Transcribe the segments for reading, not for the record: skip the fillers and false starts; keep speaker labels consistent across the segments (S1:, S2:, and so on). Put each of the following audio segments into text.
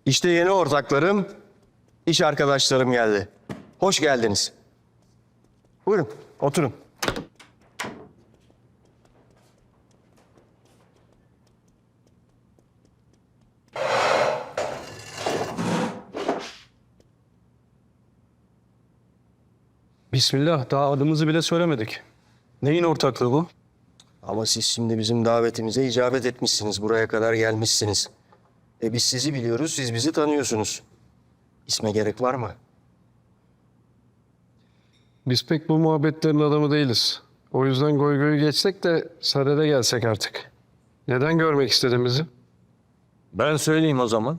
S1: İşte yeni ortaklarım, iş arkadaşlarım geldi. Hoş geldiniz. Buyurun, oturun.
S2: Bismillah, daha adımızı bile söylemedik. Neyin ortaklığı bu?
S1: Ama siz şimdi bizim davetimize icabet etmişsiniz. Buraya kadar gelmişsiniz. Biz sizi biliyoruz, siz bizi tanıyorsunuz. İsme gerek var mı?
S2: Biz pek bu muhabbetlerin adamı değiliz. O yüzden goy goyu geçsek de sadede gelsek artık. Neden görmek istedin bizi?
S3: Ben söyleyeyim o zaman.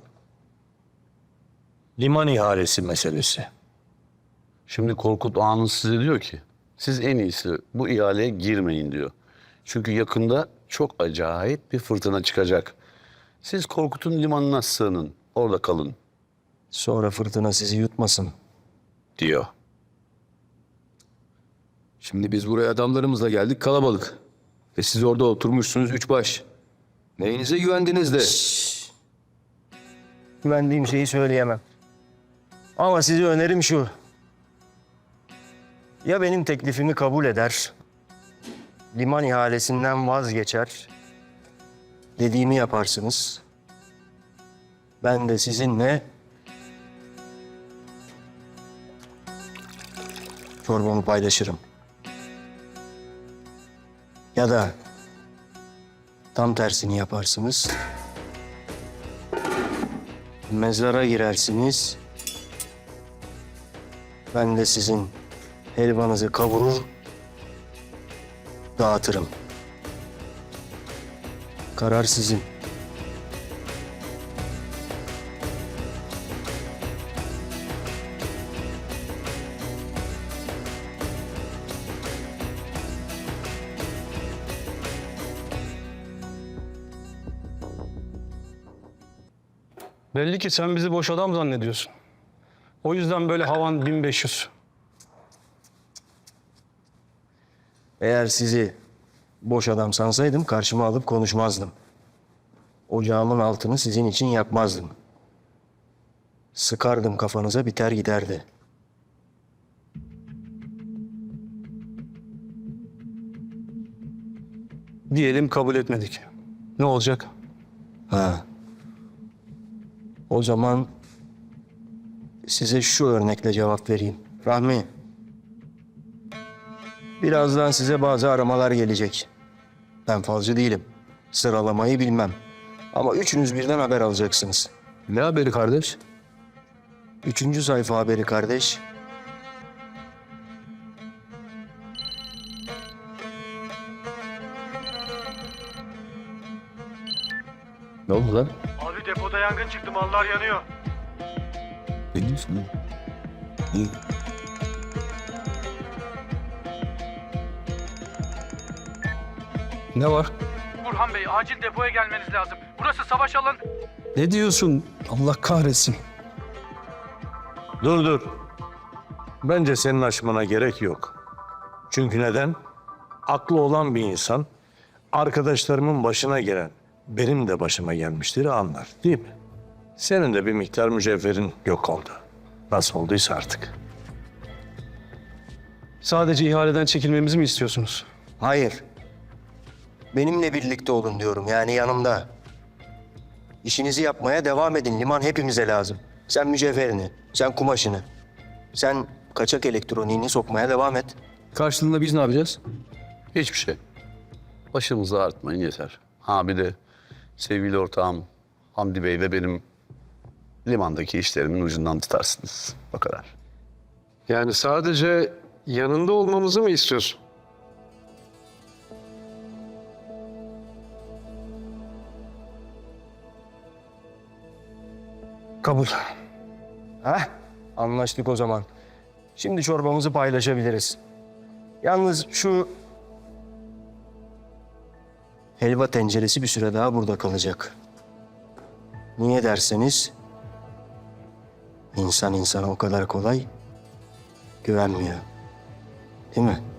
S3: Liman ihalesi meselesi.
S4: Şimdi Korkut Ağa'nız size diyor ki siz en iyisi bu ihaleye girmeyin diyor. Çünkü yakında çok acayip bir fırtına çıkacak. Siz Korkut'un limanına sığının, orada kalın
S1: Sonra fırtına sizi yutmasın.
S4: diyor.
S5: Şimdi biz buraya adamlarımızla geldik kalabalık. Ve siz orada oturmuşsunuz üç baş. Neyinize güvendiniz de?
S1: Güvendiğim şeyi söyleyemem. Ama size önerim şu. Ya benim teklifimi kabul eder, liman ihalesinden vazgeçer, dediğimi yaparsınız. Ben de sizinle çorbamı paylaşırım. Ya da tam tersini yaparsınız. Mezara girersiniz. Ben de sizin helvanızı kavurur, dağıtırım. Karar sizin.
S2: Belli ki sen bizi boş adam zannediyorsun. O yüzden böyle havan 1500.
S1: Eğer sizi boş adam sansaydım karşıma alıp konuşmazdım. Ocağımın altını sizin için yakmazdım. Sıkardım kafanıza biter giderdi.
S2: Diyelim kabul etmedik. Ne olacak?
S1: Ha. O zaman size şu örnekle cevap vereyim. Rahmi. Birazdan size bazı aramalar gelecek. Ben falcı değilim. Sıralamayı bilmem. Ama üçünüz birden haber alacaksınız.
S5: Ne haberi kardeş?
S1: 3. sayfa haberi kardeş.
S5: Ne oldu lan?
S6: Abi depoda yangın çıktı, mallar yanıyor.
S5: Ne diyorsun? İyi.
S2: Ne var?
S6: Burhan Bey, acil depoya gelmeniz lazım. Burası savaş alanı.
S2: Ne diyorsun? Allah kahretsin.
S3: Dur. Bence senin açmana gerek yok. Çünkü neden? Aklı olan bir insan arkadaşlarımın başına gelen benim de başıma gelmiştir anlar değil mi? Senin de bir miktar mücevherin yok oldu. Nasıl olduysa artık.
S2: Sadece ihaleden çekilmemizi mi istiyorsunuz?
S1: Hayır. Benimle birlikte olun diyorum. Yani yanımda. İşinizi yapmaya devam edin. Liman hepimize lazım. Sen mücevherini, sen kumaşını, sen kaçak elektroniğini sokmaya devam et.
S5: Karşılığında biz ne yapacağız?
S4: Hiçbir şey. Başımızı ağrıtmayın yeter. Ha bir de sevgili ortağım Hamdi Bey ve benim limandaki işlerimin ucundan tutarsınız. O kadar.
S2: Yani sadece yanında olmamızı mı istiyorsun? Kabul.
S1: Heh, anlaştık o zaman. Şimdi çorbamızı paylaşabiliriz. Yalnız şu helva tenceresi bir süre daha burada kalacak. Niye derseniz insan insana o kadar kolay güvenmiyor. Değil mi?